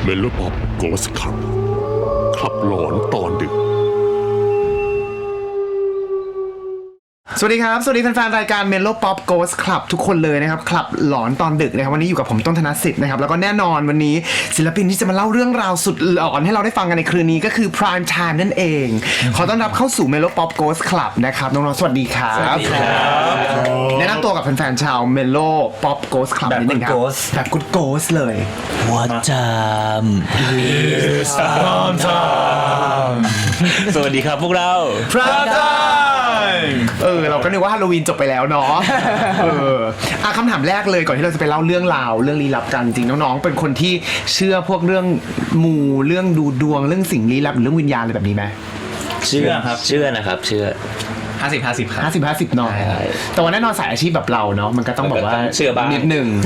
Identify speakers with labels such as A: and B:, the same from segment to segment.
A: เมโลป๊อปโกสคลับคลับหลอนตอนดึก
B: สวัสดีครับสวัสดีแฟนๆรายการ Melo Pop Ghost Club ทุกคนเลยนะครับคลับหลอนตอนดึกนะครับวันนี้อยู่กับผมต้นธนสิทธิ์นะครับแล้วก็แน่นอนวันนี้ศิลปินที่จะมาเล่าเรื่องราวสุดหลอนให้เราได้ฟังกันในคืนนี้ก็คือ Prime Time นั่นเองขอต้อนรับเข้าสู่ Melo Pop Ghost Club นะครับน้องๆสวัสดีครับสวัสดีครับแนะนำตัวกับแฟนๆชาว Melo Pop Ghost Club นิดนึงครับแบบ Good Ghost เลย
C: What time is Prime time สวัสดีครับพวกเรา
B: Prime Time เราก็นึกว่าฮาโลวีนจบไปแล้วเนาะคำถามแรกเลยก่อนที่เราจะไปเล่าเรื่องราวเรื่องลี้ลับกันจริงน้องๆเป็นคนที่เชื่อพวกเรื่องมูเรื่องดูดวงเรื่องสิ่งลี้ลับหรือเรื่องวิญญาณอะไรแบบนี้ไหม
C: เชื่อครับเชื่อนะครับเชื่อ
D: 50-50 ครับ
B: 50-50หน่อยแต่ว่าแน่นอนสายอาชีพแบบเราเนาะมันก็ต้องแบบว่า
C: เชื่อบ้าง
B: นิดนึง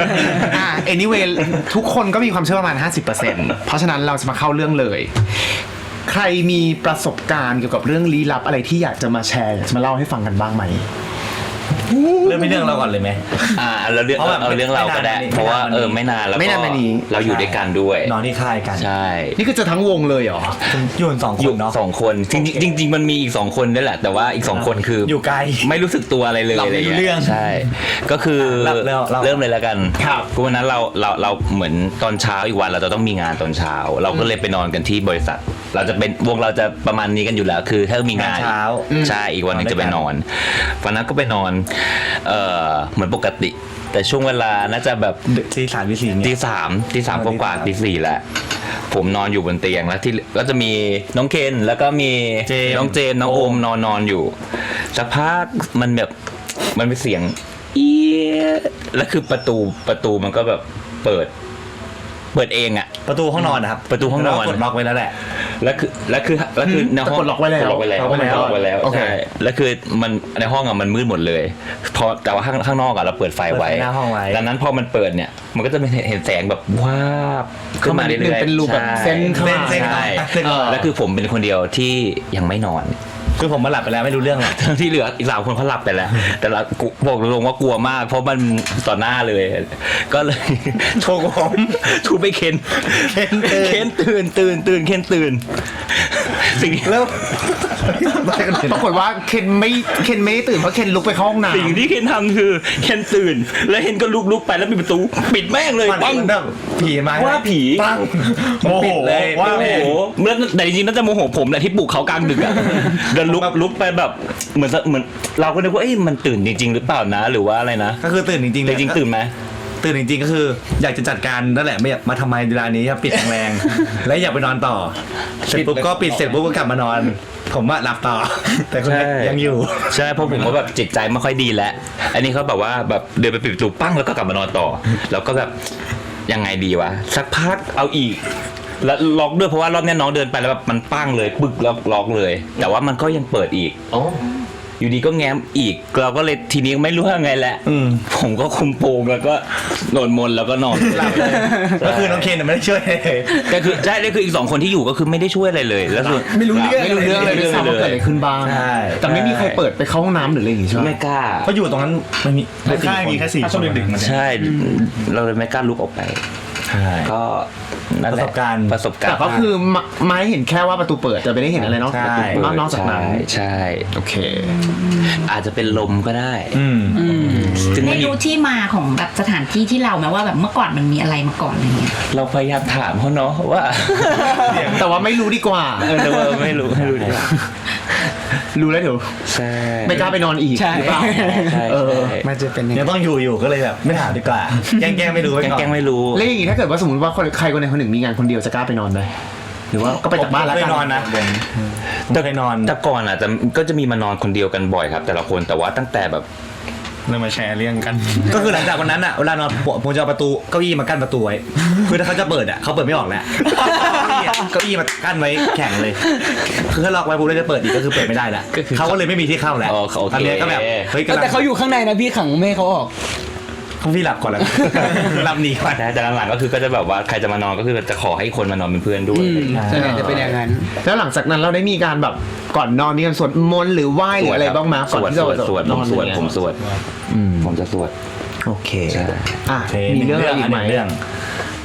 B: anyway ทุกคนก็มีความเชื่อประมาณ 50% เพราะฉะนั้นเราจะมาเข้าเรื่องเลยใครมีประสบการณ์เกี่ยวกับเรื่องลี้ลับอะไรที่อยากจะมาแชร์จะมาเล่าให้ฟังกันบ้างไหม
D: เรื่องไม่เรื่องเราก่อนเลยไหม
C: เราเรื่องเราก็ได้เพราะว่าไม่นานแล้วก็เราอยู่ด้วยกันด้วย
D: นอนที่ค่ายกัน
C: ใช่
B: นี่คือจะทั้งวงเลยเหรอ
D: อยู่กัน2 คนเนาะ
C: 2 คนจริงมันมีอีก2 คนด้วยแหละแต่ว่าอีก2 คนคือ
D: อยู่ไกล
C: ไม่รู้สึกตัวอะไรเลย
D: เราไม่รู้เรื่อง
C: ใช่ก็คือเริ่มเลยแล้วกัน
B: ครับ
C: ก็วันนั้นเราเหมือนตอนเช้าอีกวันเราจะต้องมีงานตอนเช้าเราก็เลยไปนอนกันที่บริษัทเราจะเป็นวงเราจะประมาณนี้กันอยู่แล้วคือถ้ามีงาน
D: เช้า
C: ใช่อีกวันนึงจะไปนอนวันนั้นก็ไปนอนเหมือนปกติแต่ช่วงเวลาน่าจะแบบ
D: ตีสาม
C: ตีสามกว่าตี 4แหละผมนอนอยู่บนเตียงแล้วที่ก็จะมีน้องเคนแล้วก็มีน้องเจนน้องโอมนอนอยู่สักพักมันแบบมันเป็นเสียงแล้วคือประตูมันก็แบบเปิดเองอะ
D: ประตูห้องนอนนะครับ
C: ประตูห้องนอน
D: กดล็อกไว้แล้วแหละ
C: แล้วคือในห้อง
B: กดล็อกไว้แล้ว
C: ใช่แล้วคือมันในห้องอะมันมืดหมดเลยพอแต่ว่าข้างนอกอะเราเปิดไฟไว้ดังนั้นพอมันเปิดเนี่ยมันก็จะเห็นแสงแบบว้าบขึ้นมาเรื่อยๆ
B: เป็นรูปแบบเส้น
C: แล้วคือผมเป็นคนเดียวที่ยังไม่นอน
D: คือผมมาหลับไปแล้วไม่รู้เรื่องหรอก
C: ที่เหลืออีก3 คนเขาหลับไปแล้วแต่เราบอกตรงว่ากลัวมากเพราะมันต่อหน้าเลยก็เลยโทรผมทูไปเคนตื่นเคนสิ่ง
B: แล้วปรากฏว่าเคนไม่ตื่นเพราะเคนลุกไปเข้าห้องน้ำ
C: สิ่งที่เคนทำคือเคนตื่นแล้วเคนก็ลุกไปแล้วปิดประตูปิดแม่งเลย
D: ปังผีมา
C: ว่าผี
D: ปัง
C: โมโหว่าโมโหแต่จริงๆน่าจะโมโหผมแหละที่ปลุกเขากลางดึกอ่ะเดินลุกไปแบบเหมือนเราก็นึกว่ามันตื่นจริงๆหรือเปล่านะหรือว่าอะไรนะ
D: ก็คือตื่นจริงๆ
C: เลยจริงตื่นไหม
D: ตื่นจริงๆก็คืออยากจะจัดการนั่นแหละไม่อยากมาทำไมเวลานี้ครับปิดแรงๆและอยากไปนอนต่อเสร็จปุ๊บก็ปิดเสร็จปุ๊บก็กลับมานอนผมว่าหลับต่อแต่คุณยังอยู่
C: ใช่เพราะผมก็แบบจิตใจไม่ค่อยดีแล้วอันนี้เขาแบบว่าแบบเดินไปปิดประตูปั้งแล้วก็กลับมานอนต่อแล้วก็แบบยังไงดีวะสักพักเอาอีกแล้วล็อกด้วยเพราะว่ารอบนี้น้องเดินไปแล้วแบบมันปั้งเลยปึกแล้วล็อกเลยแต่ว่ามันก็ยังเปิดอีกอยู่ดีก็แง้มอีกเราก็เลยทีนี้ไม่รู้ว่าไงแหละผมก็คุมโปงแล้วก็โดนมนแล้วก็นอน
D: หลับเลยก็คือน้องเคนไม่ได้ช่วยเลย
C: ก็คือใช่ได้คืออีก2 คนที่อยู่ก็คือไม่ได้ช่วยอะไรเลยแล้วคือ
B: ไม่รู้เรื่องเลยไม่ทราบว่าเกิดอะไรขึ้นบ้างแต่ไม่มีใครเปิดไปเข้าห้องน้ำหรืออะไรอย่างงี้ใช่ไหม
C: ไม่กล้า
D: เพราะอยู่ตรงนั้นมันมีแค่4 คนดึก
C: ๆใช่เราเลยไม่กล้าลุกออกไปก็
D: ประสบการณ์
B: แต่ก็คือไม้เห็นแค่ว่าประตูเปิดแต่ไม่ได้เห็นอะไรเนาะนอกจากนั้น
C: ใช่
B: โอเค
C: อาจจะเป็นลมก็ได้
E: ไม่รู้ที่มาของแบบสถานที่ที่เราไหมว่าแบบเมื่อก่อนมันมีอะไรมาก่อนอะไรเงี้ย
C: เราพยายามถามเขาเนาะว่า
B: แต่ว่าไม่รู้ดีกว่า
C: แต่ว่าไม่รู้
B: รู้แล้วเดี๋ยว
C: ใช่
B: ไม่กล้าไปนอนอีกหรือเปล่า
D: มันจะเป็นยังต้องอยู่ก็เลยแบบไม่ถามดีกว่าแกล้งไม่รู้
C: แกล้งไม่รู้
B: แล้วอย่างงี้ถ้าเกิดว่าสมมติว่าใครคนใดคนหนึ่งมีงานคนเดียวจะกล้าไปนอนไหมหรือว่าก็ไปจากบ้านแล้ว
D: กันนอนนะ
C: แต่นอนแต่ก่อนอ่ะก็จะมีมานอนคนเดียวกันบ่อยครับแต่ละคนแต่ว่าตั้งแต่แบบ
D: เริ่มมาแชร์เรื่องกันก็คือหลังจากวันนั้นอ่ะเวลานอนผมจะเอาประตูเก้าอี้มากั้นประตูไว้คือถ้าเขาจะเปิดอ่ะเขาเปิดไม่ออกแล้วเก้าอี้มากั้นไว้แข็งเลยคือถ้าล็อกไว้ปุ๊บแล้วจะเปิดอีกก็คือเปิดไม่ได้แล้วเขาก็เลยไม่มีที่เข้าแล้วตอนนี้ก็แบบ
B: เฮ้ยแต่เขาอยู่ข้างในนะพี่ขังไม่ให้เขาออก
D: พี่หลับก่อนแล้วหลับหนีก่อน
C: นะแต่หลังๆก็คือก็จะแบบว่าใครจะมานอนก็คือจะขอให้คนมานอนเป็นเพื่อนด้วย
B: ใช่จะเป็นอย่างนั้นแล้วหลังจากนั้นเราได้มีการแบบก่อนนอนมีการสวดมนต์หรือไหว้หรืออะไรบ้างไหมก่อนที่จะ
C: สวดผมสวดผมจะสวด
B: โอเคมีเรื่องอะไรอีกไหม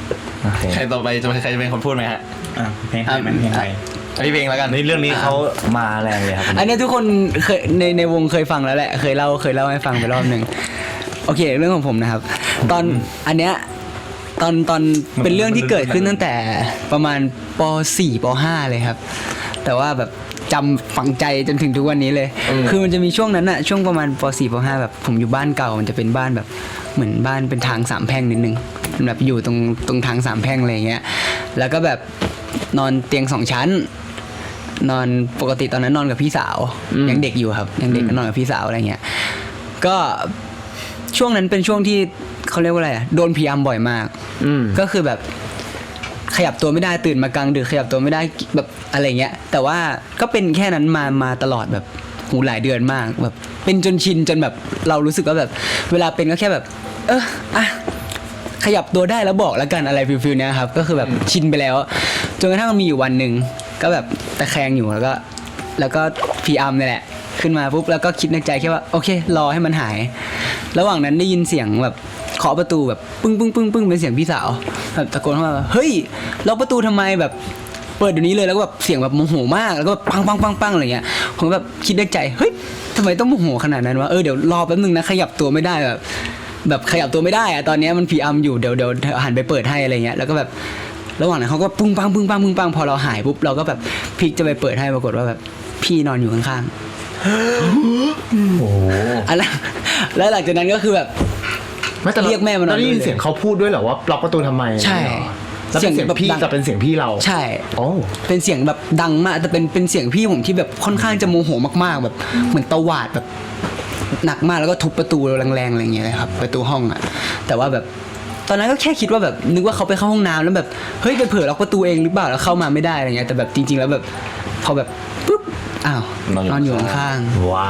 C: ใครต่อไปใครจะเป็นคนพูดไหมฮะ
D: เพลงใครเพลงใคร
C: พี่เพลงแล้วกัน
D: ในเรื่องนี้เขามาแรงเลยครับ
F: อันนี้ทุกคนเคยในวงเคยฟังแล้วแหละเคยเล่าให้ฟังไปรอบหนึ่งโอเคเรื่องของผมนะครับ ตอนอันเนี้ยตอนเป็นเรื่องที่เกิดขึ้นตั้งแต่ประมาณป .4 ป .5 เลยครับ แต่ว่าแบบจำฝังใจจนถึงทุกวันนี้เลย คือมันจะมีช่วงนั้นอะช่วงประมาณป .4 ป .5 แบบผมอยู่บ้านเก่ามันจะเป็นบ้านแบบเหมือนบ้านเป็นทางสามแพร่งนิดนึงแบบอยู่ตรงทางสามแพร่งอะไรอย่างเงี้ยแล้วก็แบบนอนเตียง2 ชั้น นอนปกติตอนนั้นนอนกับพี่สาวยังเด็กอยู่ครับยังเด็กก็นอนกับพี่สาวอะไรเงี้ยก็ช่วงนั้นเป็นช่วงที่เขาเรียกว่าอะไรโดนพยายามบ่อยมากก็คือแบบขยับตัวไม่ได้ตื่นมากลางดึกขยับตัวไม่ได้แบบอะไรเงี้ยแต่ว่าก็เป็นแค่นั้นมาตลอดแบบหูหลายเดือนมากแบบเป็นจนชินจนแบบเรารู้สึกว่าแบบเวลาเป็นก็แค่แบบขยับตัวได้แล้วบอกแล้วกันอะไรฟิลๆเนี้ยครับก็คือแบบชินไปแล้วจนกระทั่งมีอยู่วันหนึ่งก็แบบตะแคงอยู่แล้วก็พีอัมนี่แหละขึ้นมาปุ๊บแล้วก็คิดในใจแค่ว่าโอเครอให้มันหายระหว่างนั้นได้ยินเสียงแบบเคาะประตูแบบปึ้งเป็นเสียงพี่สาวแบบตะโกนเข้ามาเฮ้ยล็อกประตูทำไมแบบเปิดเดี๋ยวนี้เลยแล้วก็แบบเสียงแบบโมโหมากแล้วก็แบบปังอะไรเงี้ยผมแบบคิดในใจเฮ้ยทำไมต้องโมโหขนาดนั้นวะเดี๋ยวรอแป๊บนึงนะขยับตัวไม่ได้แบบขยับตัวไม่ได้อะตอนนี้มันพีอัมอยู่เดี๋ยวหันไปเปิดให้อะไรเงี้ยแล้วก็แบบระหว่างนั้นเขาก็ปึ้งปังพอเราหายปุ๊บเราก็แบบพลิกจะไปเปิดให้ปรากฏว่าแบบพี่นอนอยู่ข้างๆโอ้แล้วหลังจากนั้นก็คือแบบเรียกแม่มานอน
B: ได้ยินเสียงเขาพูดด้วยเหรอว่าล็อกประตูทำไม
F: ใช่
B: แล้วเป็นเสียงพี่กับเป็นเสียงพี่เรา
F: ใช่เป็นเสียงแบบดังมากแต่เป็นเสียงพี่ผมที่แบบค่อนข้างจะโมโหมากๆแบบเหมือนตวาดแบบหนักมากแล้วก็ทุบประตูแรงๆอะไรอย่างเงี้ยเลยครับประตูห้องอ่ะแต่ว่าแบบตอนนั้นก็แค่คิดว่าแบบนึกว่าเขาไปเข้าห้องน้ำแล้วแบบเฮ้ยไปเผลอล็อกประตูเองหรือเปล่าแล้วเข้ามาไม่ได้อะไรเงี้ยแต่แบบจริงๆแล้วแบบพอแบบปุ๊บอ้าวนอนอยู่ข้างๆ
D: ว้าว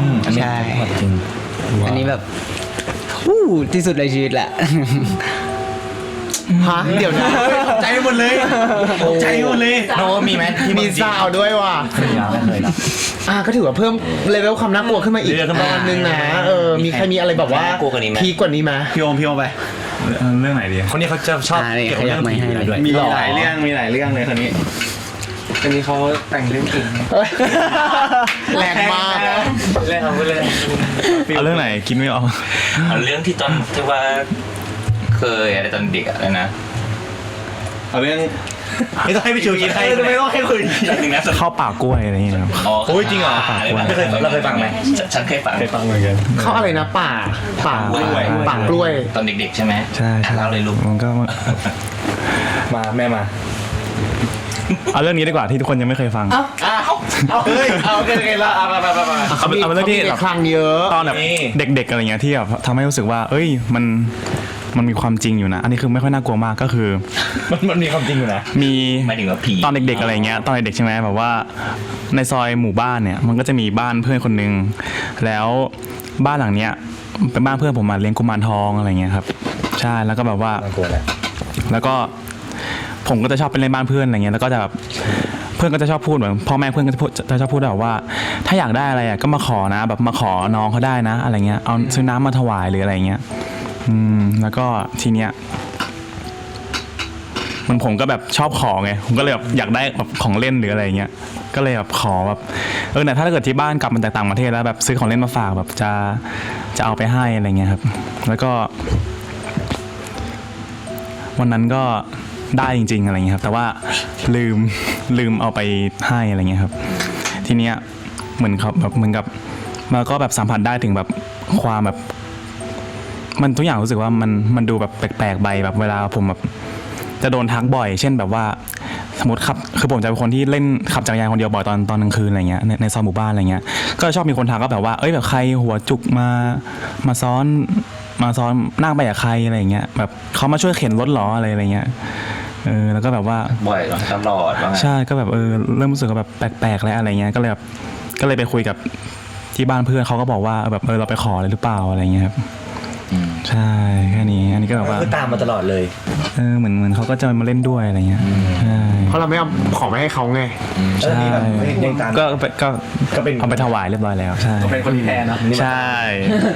F: ใช่อันนี้แบบที่สุดในชีวิตแหละ
B: ฮะเดี๋ยวนะใจหมดเลยใจหมดเลย
C: โนมีไหม
B: มีซาวด้วยว่ะ
D: ไม่เคยนะ
B: ก็ถือว่าเพิ่มเลเวลความน่ากลัวขึ้นมาอีกประมาณนึงนะมีใครมีอะไรแบบว่าพีกว่านี้ไหม
G: พี่โอมไปเรื่องไหนดี
D: คนนี้เขาจะชอบเกี่ยวกับเรื่องผีด้วย
G: มีหลายเรื่องเลยคนนี้เขาแต่งเรื่องเก่ง
B: แรงมาก
G: เล่นเอาไปเลยเอาเรื่องไหนคิดไม่ออก
C: เอาเรื่องที่ตอนที่ว่าเคยอะไรตอนเด็กอะไรนะ
G: เอาเรื่อง
D: ไม่ต้องให้พี่ชูคิดให้
G: ไม่ต้องให้คุย
C: หนึ่งนะ
G: เข้าป่ากล้วยอะไรอย่างเงี้ยครับ
C: อ๋อ
D: โอ้ยจริงเหรอเราเคยฟังไหม
C: ฉันเคยฟัง
G: เหมือนกัน
B: เขาอะไรนะป่ากล้วย
C: ตอนเด็กๆใช่ไหม
G: ใช่
C: เล่าเลยลูก
G: มันก็
D: มาแม่มา
G: เอาเรื่องนี้ดีกว่าที่ทุกคนยังไม่เคยฟัง
B: เอาเฮ้ยเอาโอเคละมา
G: เอาเป็นเรื่องที่
B: คลังเยอะ
G: ตอนแบบเด็กๆอะไรเงี้ยที่แบบทำให้รู้สึกว่าเอ้ยมันมีความจริงอยู่นะ อันนี้คือไม่ค่อยน่ากลัวมากก็คือ
D: มันมีความจริงอยู่นะ
G: มี
C: หมายถึงว่าผี
G: ตอนเด็กๆอะไรเงี้ยตอนเด็กๆใช่ไหมแบบว่าในซอยหมู่บ้านเนี่ยมันก็จะมีบ้านเพื่อนคนนึงแล้วบ้านหลังเนี้ยเป็นบ้านเพื่อนผมมาเลี้ยงกุมารทองอะไรเงี้ยครับใช่แล้วก็แบบว่า
D: น่ากลัวแหละ
G: แล้วก็ผมก็จะชอบไปเล่นบ้านเพื่อนอะไรเงี้ยแล้วก็จะแบบเพื่อนก็จะชอบพูดเหมือนพ่อแม่เพื่อนก็จะชอบพูดแบบว่าถ้าอยากได้อะไรก็มาขอนะแบบมาขอน้องเขาได้นะอะไรเงี้ยเอาซื้อน้ำมาถวายหรืออะไรเงี้ยแล้วก็ทีเนี้ยผมก็แบบชอบขอไงผมก็เลยแบบอยากได้แบบของเล่นหรืออะไรเงี้ยก็เลยแบบขอแบบแต่ถ้าเกิดที่บ้านกลับมาจากต่างประเทศแล้วแบบซื้อของเล่นมาฝากแบบจะเอาไปให้อะไรเงี้ยครับแล้วก็วันนั้นก็ได้จริงๆอะไรเงี้ยครับแต่ว่าลืมเอาไปให้อะไรเงี้ยครับทีเนี้ยเหมือนกับมันก็แบบสัมผัสได้ถึงแบบความแบบมันทุกอย่างรู้สึกว่ามันดูแบบแปลกๆไปแบบเวลาผมแบบจะโดนทักบ่อยเช่นแบบว่าสมมติขับคือผมจะเป็นคนที่เล่นขับจักรยานคนเดียวบ่อยตอนกลางคืนอะไรเงี้ยในซอยหมู่บ้านอะไรเงี้ยก็ชอบมีคนทักก็แบบว่าแบบใครหัวจุกมาซ้อนนั่งไปกับใครอะไรเงี้ยแบบเขามาช่วยเข็นรถหรออะไรเงี้ยแล้วก็แบบว่า
C: บ่อยตลอดว่าไง
G: ใช่ก็แบบเริ่มรู้สึกว่าแบบแปลกๆแล้วอะไรเงี้ยก็เลยไปคุยกับที่บ้านเพื่อนเขาก็บอกว่าแบบเราไปขอเลยหรือเปล่าอะไรเงี้ยครับใช่แค่นี้อันนี้ก็แบบว่า
D: คือตามมาตลอดเลย
G: เหมือนเขาก็จะมาเล่นด้วยอะไรเงี้ยใช่
B: เพราะเราไม่เอาของไปให้เขาไง
G: ใช่ก็เป็นเอาไปถวายเรียบร้อยแล้วใช่
D: เป็นคนแทนนะ
G: ใช่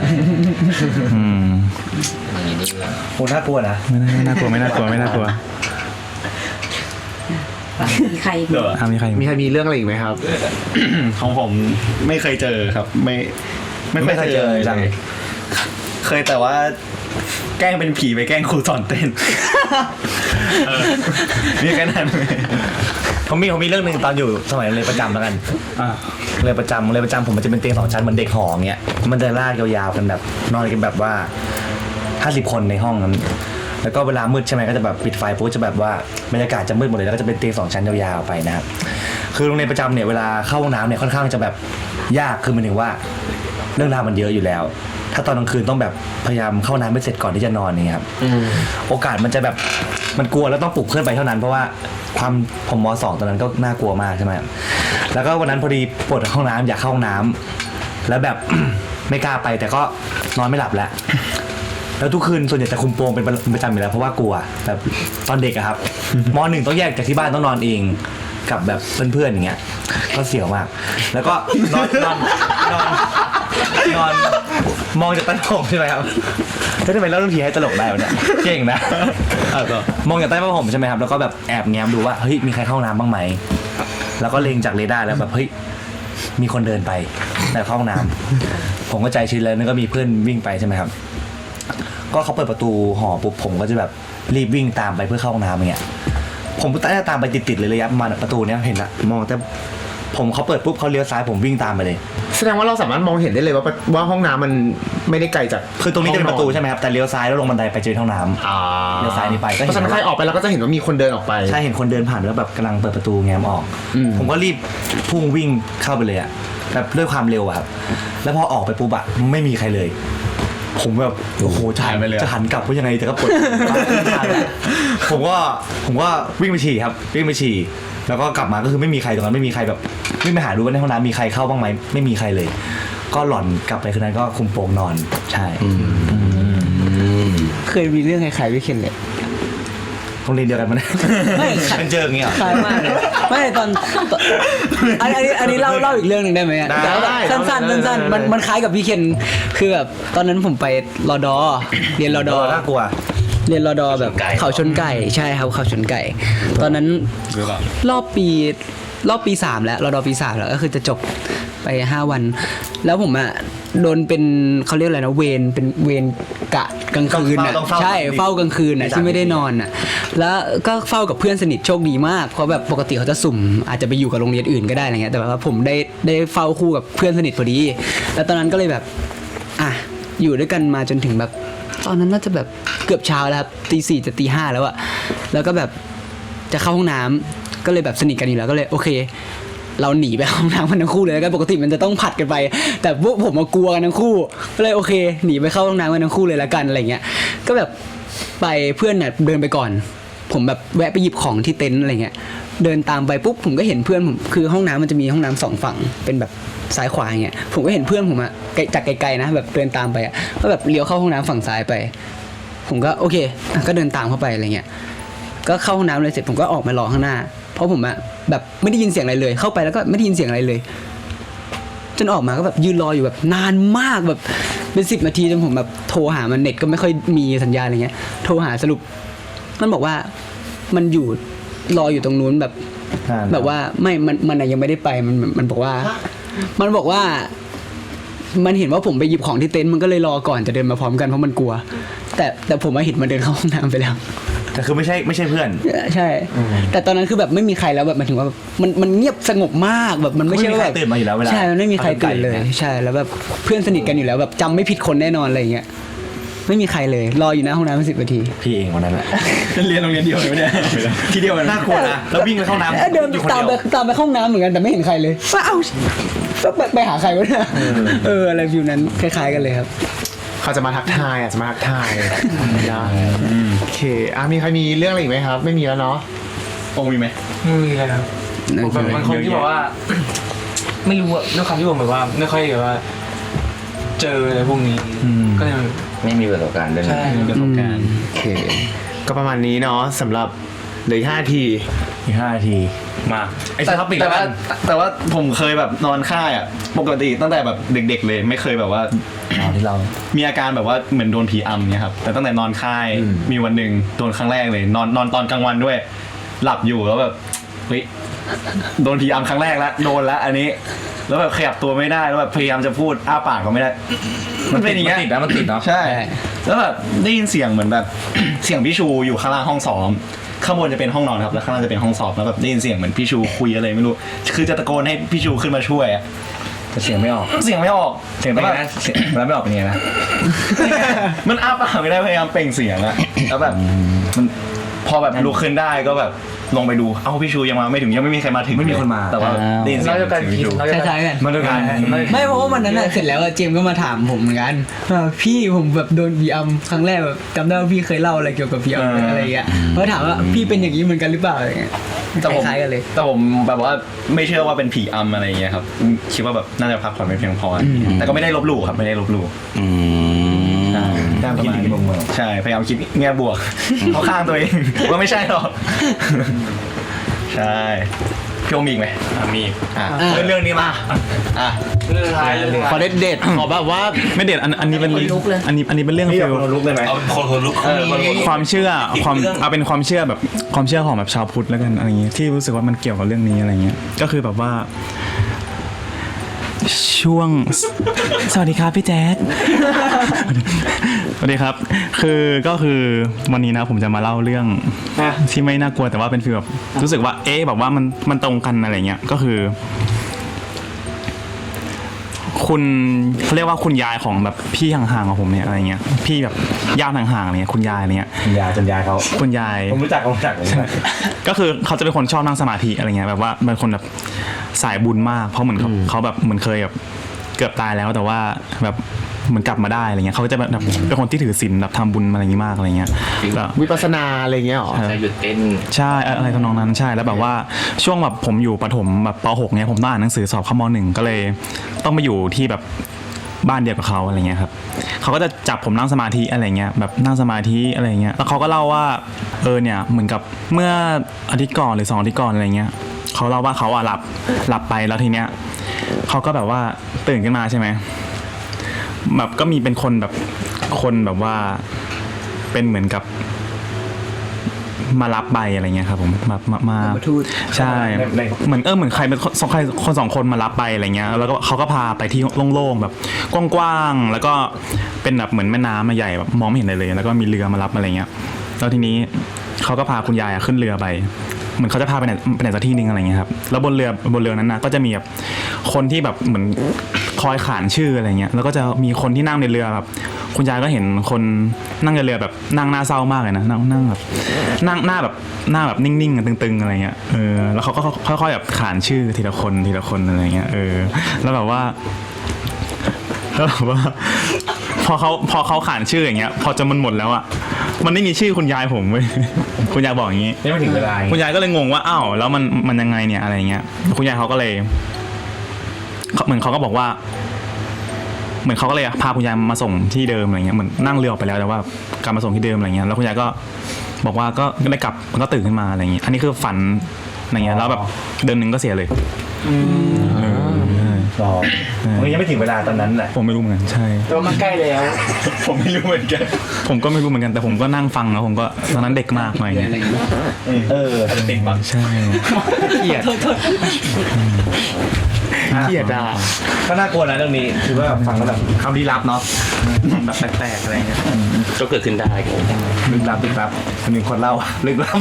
D: โหน่ากลัวนะ
G: ไม่น่ากลัว
E: มีใคร
G: มีใคร
B: มีใครมีเรื่องอะไรอีกไหมครับ
H: ของผมไม่เคยเจอครับ ไม่เคยเจอเลยเคยแต่ว่าแกล้งเป็นผีไปแกล้งครูสอนเต้นมีแค่นั้น
D: ผมมีเรื่องหนึ่งตอนอยู่สมัยเรียนประจำแล้วกันเรียนประจำผมมันจะเป็นเตียง2 ชั้นเหมือนเด็กหอเงี้ยมันจะลากยาวๆกันแบบนอนกันแบบว่า50 คนในห้องนั้นแล้วก็เวลามืดใช่ไหมก็จะแบบปิดไฟปุ๊บจะแบบว่าบรรยากาศจะมืดหมดเลยแล้วก็จะเป็นเตียง2 ชั้นยาวๆไปนะครับคือโรงเรียนประจำเนี่ยเวลาเข้าห้องน้ำเนี่ยค่อนข้างจะแบบยากคือมันถึงว่าเรื่องราวมันเยอะอยู่แล้ว ถ้าตอนกลางคืนต้องแบบพยายามเข้าน้ำไม่เสร็จก่อนที่จะนอนนี่ครับโอกาสมันจะแบบมันกลัวแล้วต้องปลุกเพื่อนไปเท่านั้นเพราะว่าความผมม.2 ตอนนั้นก็น่ากลัวมากใช่ไหมแล้วก็วันนั้นพอดีปวดห้องน้ำอยากเข้าห้องน้ำแล้วแบบ ไม่กล้าไปแต่ก็นอนไม่หลับแล้วแล้วทุกคืนส่วนใหญ่จะคุมโปงเป็นประจำอยู่แล้วเพราะว่ากลัวแบบตอนเด็กอะครับ ม.1 ต้องแยกจากที่บ้านต้องนอนเองกับแบบเพื่อนๆอย่างเงี้ยก็เสียวมากแล้วก็นอนมองจากใต้ผ้าห่มใช่ไหมครับทำไมเล่าเรื่องผีให้ตลกได้วะเนี่ยเก่งนะมองจากใต้ผ้าห่มใช่ไหมครับแล้วก็แบบแอบแง้มดูว่าเฮ้ยมีใครเข้าห้องน้ำบ้างไหมแล้วก็เล็งจากเรดาร์แล้วแบบเฮ้ยมีคนเดินไปในห้องน้ำผมก็ใจชื้นแล้วนึกก็มีเพื่อนวิ่งไปใช่ไหมครับก็เขาเปิดประตูหอปุ๊บผมก็จะแบบรีบวิ่งตามไปเพื่อเข้าห้องน้ำอย่างเงี้ยผมก็ตามไปติดๆเลยระยะประมาณประตูเนี้ยเห็นละมองแต่ผมเขาเปิดปุ๊บเขาเลี้ยวซ้ายผมวิ่งตามไปเลย
B: แสดงว่าเราสามารถมองเห็นได้เลยว่าห้องน้ำมันไม่ได้ไกลจาก
D: คือตรงนี้จะเป็นประตูใช่ไหมครับแต่เลี้ยวซ้ายแล้วลงบันไดไปเจอห้องน้ำเลี้ยวซ้ายนี่ไป
B: เพราะฉะนั้นใครออกไปเราก็จะเห็นว่ามีคนเดินออกไป
D: ใช่เห็นคนเดินผ่านแล้วแบบกำลังเปิดประตูแง้มออกผมก็รีบพุ่งวิ่งเข้าไปเลยอะแบบด้วยความเร็วอะครับแล้วพอออกไปปุ๊บอะไม่มีใครเลย ผมแบบโอ้โหจะหันกลับว่ายังไงแต่ก็ปวดผมก็วิ่งไปฉี่ครับวิ่งไปฉี่แล้วก็กลับมาก็คือไม่มีใครตรงนั้นไม่มีใครแบบวิ่งไปหาดูว่าในห้องน้ำมีใครเข้าบ้างไหมไม่มีใครเลย ก็หล่อนกลับไปคืนนั้นก็คุมโปงนอนใช่
F: เคยมีเรื่องคล้ายๆพี่เคนเลย
D: โรงเรียนเดียวกันมั้ย
F: ไม่
D: เป็นเจออย่างเงี้ย
F: คล้ายมากเลยไม่ตอนอันนี้เล่าอีกเรื่องหนึ่งได้ไหมสั้นมันคล้ายกับพี่เคนคือแบบตอนนั้นผมไปรอดอเรียนรอดอ
D: น่ากลัว
F: เรียนรอดอแบบเขาชนไก่ใช่ครับเขาชนไก่ตอนนั้นรอบปี3แล้วรอดอปี3แล้วก็คือจะจบไป5 วันแล้วผมอ่ะโดนเป็นเขาเรียกอะไรนะเป็นเวรกะกลางคืนอ่ะใช่เฝ้ากลางคืนอ่ะที่ไม่ได้นอนอ่ะแล้วก็เฝ้ากับเพื่อนสนิทโชคดีมากเพราะแบบปกติเขาจะสุ่มอาจจะไปอยู่กับโรงเรียนอื่นก็ได้อะไรเงี้ยแต่ว่าผมได้เฝ้าคู่กับเพื่อนสนิทพอดีแล้วตอนนั้นก็เลยแบบอ่ะอยู่ด้วยกันมาจนถึงแบบตอนนั้นน่าจะแบบเกือบเช้าแล้วครับตี 4จะตี 5แล้วอะแล้วก็แบบจะเข้าห้องน้ำก็เลยแบบสนิทกันอยู่แล้วก็เลยโอเคเราหนีไปห้องน้ำกันทั้งคู่เลยแล้วกันปกติมันจะต้องผัดกันไปแต่พวกผมกลัวกันทั้งคู่ก็เลยโอเคหนีไปเข้าห้องน้ำกันทั้งคู่เลยละกันอะไรเงี้ยก็แบบไปเพื่อนน่ะเดินไปก่อนผมแบบแวะไปหยิบของที่เต็นท์อะไรเงี้ยเดินตามไปปุ๊บผมก็เห็นเพื่อนผมคือห้องน้ำมันจะมีห้องน้ำ2 ฝั่งเป็นแบบซ้ายขวาอย่างเงี้ยผมก็เห็นเพื่อนผมอะจากไกลๆนะแบบเดินตามไปอะก็แบบเลี้ยวเข้าห้องน้ำฝั่งซ้ายไปผมก็โอเคก็เดินตามเข้าไปอะไรเงี้ยก็เข้าห้องน้ำเลยเสร็จผมก็ออกมารอข้างหน้าเพราะผมอะแบบไม่ได้ยินเสียงอะไรเลยเข้าไปแล้วก็ไม่ได้ยินเสียงอะไรเลยจนออกมาก็แบบยืนรออยู่แบบนานมากแบบเป็น10 นาทีจนผมแบบโทรหามันเน็ตก็ไม่ค่อยมีสัญญาณอะไรเงี้ยโทรหาสรุปมันบอกว่ามันอยู่รออยู่ตรงนู้นแบบว่าไม่มันยังไม่ได้ไปมันบอกว่ามันเห็นว่าผมไปหยิบของที่เต็นท์มันก็เลยรอก่อนจะเดินมาพร้อมกันเพราะมันกลัวแต่ผมมาเห็นมันเดินเข้าห้องน้ำไปแล้ว
D: แต่คือไม่ใช่เพื่อน
F: ใช่แต่ตอนนั้นคือแบบไม่มีใครแล้วแบบหมายถึงว่ามันเงียบสงบมากแบบมันไม่ใช่ว่าแบบ
D: ตื่นมาอยู่แล้วเวลา
F: ใช่มันไม่มีใครตื่นเลยใช่แล้วแบบเพื่อนสนิทกันอยู่แล้วแบบจำไม่ผิดคนแน่นอนอะไรอย่างเงี้ยไม่มีใครเลยรออยู่หน้าห้องน้ำ10 นาที
D: พี่เองวันนั้นแหละ
H: เรียนโรงเรียนเดียวเลยเนี่ยทีเดียวน่ากลัวนะแล้ววิ่งไปเข้าน้ำ
F: เดินตามไปเข้าห้องน้ำเหมือนกันแต่ไม่เห็นใครเลยว่าเอ้าไปหาใครวะเนี่ยอะไรฟิวนั้นคล้ายๆกันเลยครับ
B: เขาจะมาทักทายจะมาทักทายได้โอเคมีใครมีเรื่องอะไรอีกไหมครับไม่มีแล้วเนาะ
H: องมีไหม
I: ไม่มีเลยครับบางคนที่บอกว่าไม่รู้อะด้วยความที่ผมแบบว่าไม่ค่อยแบบว่าเจออะไรพวกนี้ก็เลย
C: ไม่มีประสบการณ์ด้วย
I: ใช่ประสบการณ์
B: โอเคก็ประมาณนี้เนาะสำหรับเหลือ5 นาที
D: มาไอ้ท็อปิก
H: แต่ว่าผมเคยแบบนอนค่ายอ่ะปกติตั้งแต่แบบเด็กๆเลยไม่เคยแบบว่า
D: ที่เรา
H: มีอาการแบบว่าเหมือนโดนผีอำเนี่ยครับแต่ตั้งแต่นอนค่ายมีวันหนึ่งโดนครั้งแรกเลยนอนตอนกลางวันด้วยหลับอยู่แล้วแบบฮ้ยโดนผีอำครั้งแรกแล้วโดนแล้วอันนี้แล้วแบบขยับตัวไม่ได้แล้วแบบพยายามจะพูดอ้าปากก็ไม่ได้มันเป็นอย่างเงี้ย
D: มันติดเนาะ
H: ใช่แล้วแบบได้ยินเสียงเหมือนแบบ เสียงพี่ชูอยู่ข้างล่างห้องซ้อมข้างบนจะเป็นห้องนอนครับแล้วข้างล่างจะเป็นห้องสอบแล้วแบบได้ยินเสียงเหมือนพี่ชูคุยอะไรไม่รู้คือจะตะโกนให้พี่ชูขึ้นมาช่วยอะ
D: แต่เสียงไม่ออก
H: เสียงไม่ออก
D: เสียงเป็นไงนะเสียงแล้วไม่ออกเป็นไงนะ
H: มันอ้าปากไม่ได้พยายามเปล่งเสียงอะแล้วแบบมันพอแบบลุกขึ้นได้ก็แบบลงไปดูเอ้าพี่ชูยังมาไม่ถึงยังไม่มีใครมาถึง
D: ไม่มีคนมา
H: แต่ว่าได้ยินเสีย
I: เรา
H: ง
I: จะการ
H: พี่
I: คิด
H: ชู
I: เรา
F: ค
I: จะ
F: ล้ายๆกัน
D: มันด้วยกัน
F: ไม่เพราะว่าวันนั้นน่ะเสร็จแล้วอะเจมส์ก็มาถามผมเหมือนกันว่าพี่ผมแบบโดนบีอัมครั้งแรกแบบจำได้ว่าพี่เคยเล่าอะไรเกี่ยวกับบีอัมอะไรอย่างเงี้ยเขาถามว่าพี่เป็นอย่างนี้เหมือนกันหรือเปล่าอะไรเงี้ย
H: แต่ผม
F: คล้ายๆกันเลย
H: แต่ผมแบบว่าไม่เชื่อว่าเป็นผีอำอะไรอย่างเงี้ยครับคิดว่าแบบน่าจะพักผ่อนไม่เพียงพอแต่ก็ไม่ได้ลบหลู่ครับไม่ได้ลบหลู่
C: อืม
H: ใช่
D: ตามคิดดีเมือง
H: ใช่พยายามคิดแง่บวก เข้าข้างตัวเองว่าไม่ใช่หรอกใช่พี่โอมมีอีกไหม
A: มี
H: เรื่องนี้มาอ่ะ
I: เรื่องท้ายเลย
B: ขอเด็ดๆขอแบบว่า
G: ไม่เด็ดอันนี้เป็น
E: ลุกเลย
G: อันนี้เป็นเรื่อง
H: พี่
G: ฟิ
H: อยาก
G: ล
H: คนลุกเลยไหม
C: เอาคนลุก
G: ความเชื่อความเอาเป็นความเชื่อแบบความเชื่อของแบบชาวพุทธแล้วกันอะไรอย่างเงี้ยที่รู้สึกว่ามันเกี่ยวกับเรื่องนี้อะไรเงี้ยก็คือแบบว่า ช่วง สวัสดีครับพี่แจ๊ค สวัสดีครับก็คือวันนี้นะผมจะมาเล่าเรื่องที่ไม่น่ากลัวแต่ว่าเป็นฟีลแบบรู้สึกว่าแบบว่ามันตรงกันอะไรเงี้ยก็คือ คุณเขาเรียกว่าคุณยายของแบบพี่ห่างๆของผมเนี่ยอะไรเงี้ยพี่แบบญาติห่างๆอะไรเงี้ยคุณยายอะไรเงี้ย
D: จนยายเขา
G: คุณยาย
D: ผมรู้จัก
G: ก็คือเขาจะเป็นคนชอบนั่งสมาธิอะไรเงี้ยแบบว่าเป็นคนแบบสายบุญมากเพราะเหมือนเขาแบบเหมือนเคยแบบเกือบตายแล้วแต่ว่าแบบเหมือนกลับมาได้อะไรเงี้ยเขาจะแบบเป็นคนที่ถือศีลแบบทำบุญอะไรอย่างงี้มากอะไรเงี้ยแล้ว
B: วิปัสสนาอะไรเงี้ยหรอ
C: จะหยุดเต้น
G: ใช่อะไรทำนองนั้นใช่แล้วแบบว่าช่วงแบบผมอยู่ประถมแบบป .6 เนี่ยผมต้องอ่านหนังสือสอบเข้าม.1 ก็เลยต้องไปอยู่ที่แบบบ้านเดียวกับเขาอะไรเงี้ยครับเขาก็จะจับผมนั่งสมาธิอะไรเงี้ยแบบนั่งสมาธิอะไรเงี้ยแล้วเขาก็เล่าว่าเนี่ยเหมือนกับเมื่ออาทิตย์ก่อนหรือ2 อาทิตย์ก่อนอะไรเงี้ยเขาเล่าว่าเขาหลับไปแล้วทีเนี้ยเขาก็แบบว่าตื่นขึ้นมาใช่ไหมแบบก็มีเป็นคนแบบว่าเป็นเหมือนกับมารับใบอะไรเงี้ยครับผมมาใช่เหมือนใครเป็นคน2 คนมารับไปอะไรเงี้ยแล้วก็เขาก็พาไปที่โล่งๆแบบกว้างๆแล้วก็เป็นแบบเหมือนแม่น้ำใหญ่แบบมองไม่เห็นอะไรเลยแล้วก็มีเรือมารับอะไรเงี้ยแล้วทีนี้เขาก็พาคุณยายขึ้นเรือไปเหมือนเขาจะพาไปไหนสักที่นึงอะไรเงี้ยครับแล้วบนเรือนั้นนะก็จะมีแบบคนที่แบบเหมือนคอยขานชื่ออะไรเงี้ยแล้วก็จะมีคนที่นั่งในเรือแบบคุณยายก็เห็นคนนั่งในเรือแบบนั่งหน้าเศร้ามากเลยนะนั่งแบบนั่งหน้าแบบนิ่งๆตึงๆอะไรเงี้ยแล้วเขาก็ค่อยๆแบบขานชื่อทีละคนอะไรเงี้ยแล้วแบบว่าพอเขาขานชื่ออย่างเงี้ยพอจะมันหมดแล้วอ่ะมันไม่มีชื่อคุณยายผมเว้ยคุณยายบอกอย่างงี้
D: ไม่ถึงเวลา
G: คุณยายก็เลยงงว่าอ้าวแล้วมันยังไงเนี่ยอะไรเงี้ยคุณยายเขาก็เลยเหมือนเขาก็บอกว่าเหมือนเขาก็เลยพาคุณยายมาส่งที่เดิมอะไรเงี้ยเหมือนนั่งเรือออกไปแล้วแต่ว่ากลับมาส่งที่เดิมอะไรเงี้ยแล้วคุณยายก็บอกว่าก็ได้กลับก็ตื่นขึ้นมาอะไรเงี้ยอันนี้คือฝันอะไรเงี้ยแล้วแบบเดือนนึงก็เสียเลย
D: มันยังไม่ถึงเวลาตอนนั้นแหละ
G: ผมไม่รู้เหมือนกันใช่
I: แต่ว่ามันใกล้แล้ว
H: ผมไม่รู้เหมือนกัน
G: ผมก็ไม่รู้เหมือนกันแต่ผมก็นั่งฟังแล้วผมก็ตอนนั้นเด็กมากหน่อยเนี่ย
H: ติดบัง
G: ใช่
H: เกลียด
D: ก็น่ากลัวนะเรื่องนี้คือว่าฟังแล้วแบบคำลี้ลับเนาะแบบแปลกๆอะไรเงี้ย
C: ก็เกิดขึ้นได้
D: ลึกลับคนหนึ่งคนเล่าลึกลับ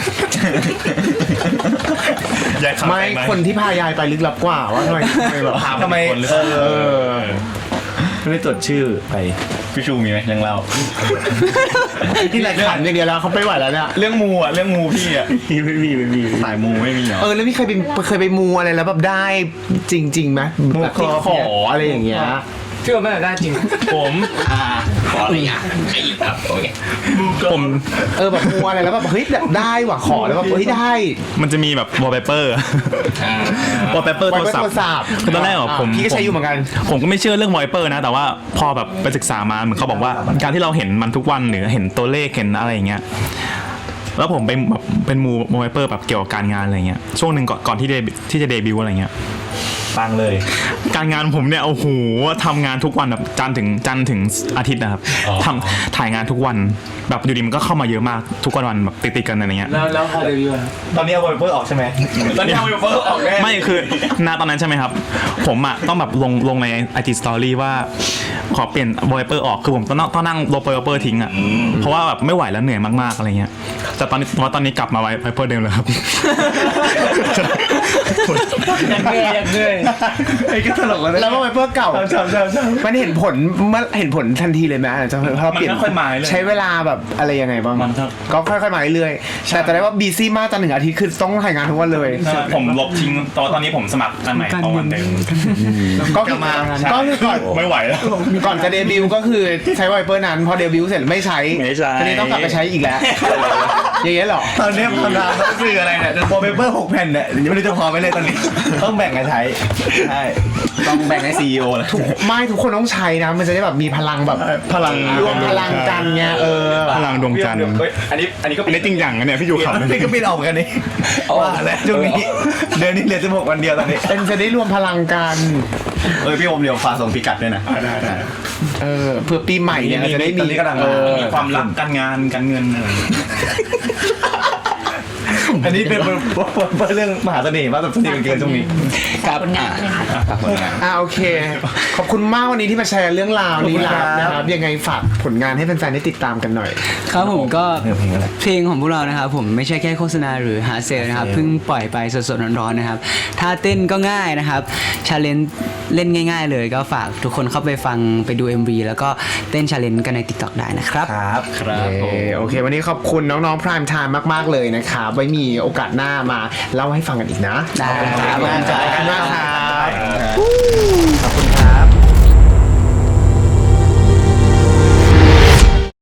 B: ไม่คนที่พายายไปลึกลับกว่าว่าทำไมแบบ
D: ทำไมไม่ได้จดชื่อไป
H: พี่ชูมีไหมยังเล่า
B: ที่รายการอย่างเดียวแล้วเขาไม่ไหวแล้วเนี่ย
H: เรื่องมูพี่อ่ะไม่มีสายมูไม่มีเหรอ
B: แล้วพี่เคยไปมูอะไรแล้วแบบได้จริงๆไหมแบบที่ขออะไรอย่างเงี้ย
I: ที่ว่าไม่ได้จริง
C: ผม ขออะไรอ่ะไอ้ครับโอเค
G: ผม
B: แบบมูอะไรแล้วแบบเฮ้ยแบบได้ว่ะขอแล้วแบบเฮ้ยได้
G: มันจะมีแบบวอลเปเปอร์วอลเปเปอร์โทรศัพท์คือตอนแรกผม
B: พี่ก็ใช้อยู่เหมือนกัน
G: ผมก็ไม่เชื่อเรื่องวอลเปเปอร์นะแต่ว่าพอแบบไปศึกษามาเหมือนเขาบอกว่าการที่เราเห็นมันทุกวันหรือเห็นตัวเลขเห็นอะไรอย่างเงี้ยแล้วผมไปแบบเป็นมูวอลเปเปอร์แบบเกี่ยวกับการงานอะไรเงี้ยช่วงหนึ่งก่อนที่จะเดบิวต์อะไรเงี้ย
D: ปังเลย
G: การงานผมเนี่ยโอ้โหทำงานทุกวันแบบจันทร์ถึงอาทิตย์นะครับถ่ายงานทุกวันแบบอยู่ดีมันก็เข้ามาเยอะมากทุกวันแบบติดๆกันอะไรเงี้ย
I: แล้วพอเดบิวต์
D: ตอนนี้เอาไวเปอร์ออกใช่ไหมตอนนี้เอาไวเปอร์ออกแน่
G: ไม่คือณตอนนั้นใช่ไหมครับ ผมอ่ะต้องแบบลงใน IG Story ว่าขอเปลี่ยนวอลเปอร์ออกคือผมต้องนั่งลบวอลเปอร์ทิ้งอ่ะเพราะว่าแบบไม่ไหวแล้วเหนื่อยมากๆอะไรเงี้ยแต่ตอนนี้กลับมาไวเปอร์เดิมเลยครับ
I: ยังเงย
D: ไอ้ก็ตลกเลย
B: แล้วว่าไวเปอร์เก่า
D: ใช่
B: มันเห็นผลทันทีเลยไหมจะพอเปลี่ยน
D: มันค่อยๆมาเรื่อย
B: ใช้เวลาแบบอะไรยังไงบ้าง
D: มันก็
B: ก็ค่อยๆมาเรื่อยๆแต่ได้ว่าบีซี่มากจันทร์ถึงอาทิตย์คือต้องถ่ายงานทุกวันเลย
G: ผมลบทิ้งตอนนี้ผมสมัครอันใหม่ตอนวันเดิม
B: ก็คือก็คือก่อน
G: ไม่ไหวแล้ว
B: ก่อนจะเดบิวต์ก็คือใช้ไวเปอร์นั้นพอเดบิวต์เสร็จไม่ใช้
G: ไม่ใช้
B: ทีนี้ต้องกลับไปใช้อีกแล้ว อย่างเงี้ยเหรอ
D: ตอนนี้ทำงานต้องซื้ออะไรเนี่ยโปรเปเปอร์6 แผ่นเนี่ยยังไม่รู้จะพอไหมเลยตอนนี้ ต้องแบ่งกันใช้ใช่ต้องแบ่งให้ CEO เลย
B: ไม่ทุกคนต้องใช้นะมันจะได้แบบมีพลังแบบ
G: พลัง
B: รวมพลังกันไง
G: พลังดวงจันทร์
D: อันนี้ก็
G: อันนี้จริงจังนะเนี่ยพี่ยูขับ
D: อันนี้ก็บินออกเหมือนกันนี่ว่าแล้วช่วงนี้เดือนนี้เหลือ16 วันเดียวตอนนี้
B: เป็นจะได้รวมพลังกัน
D: พี่โอมเดี๋ยวฝากส่งพิกัดด้วยนะได้
B: เพื่อปีใหม่เนี่ยจะได้
D: ตอนนี้กำลัง
G: มีความรักการงานการเงินอะไร
D: อันนี้เป็นเรื่องมหาเสน่ห์ว่าแบบสนิทกันเกินช่วงนี้
F: ครับ
E: ผลงานเลยค่ะ
B: โอเค ขอบคุณมากวันนี้ที่มาแชร์เรื่องราวนี้นะครับยังไงฝากผลงานให้แฟนๆได้ติดตามกันหน่อย
F: ครับผมก็เพลงของพวกเรานะครับผมไม่ใช่แค่โฆษณาหรือหาเซลนะครับเพิ่งปล่อยไปสดๆร้อนๆนะครับท่าเต้นก็ง่ายนะครับชาเลนจ์เล่นง่ายๆเลยก็ฝากทุกคนเข้าไปฟังไปดู MV แล้วก็เต้นชาเลนจ์กันใน TikTok ได้นะครับ
B: โอเค วันนี้ขอบคุณน้องๆ Prime Time มากๆเลยนะครับไว้มีโอกาสหน้ามาเล่าให้ฟังกันอีกนะ
F: ได้
B: ขอบคุณครับขอบคุณมากครับ
D: ขอบคุณครับ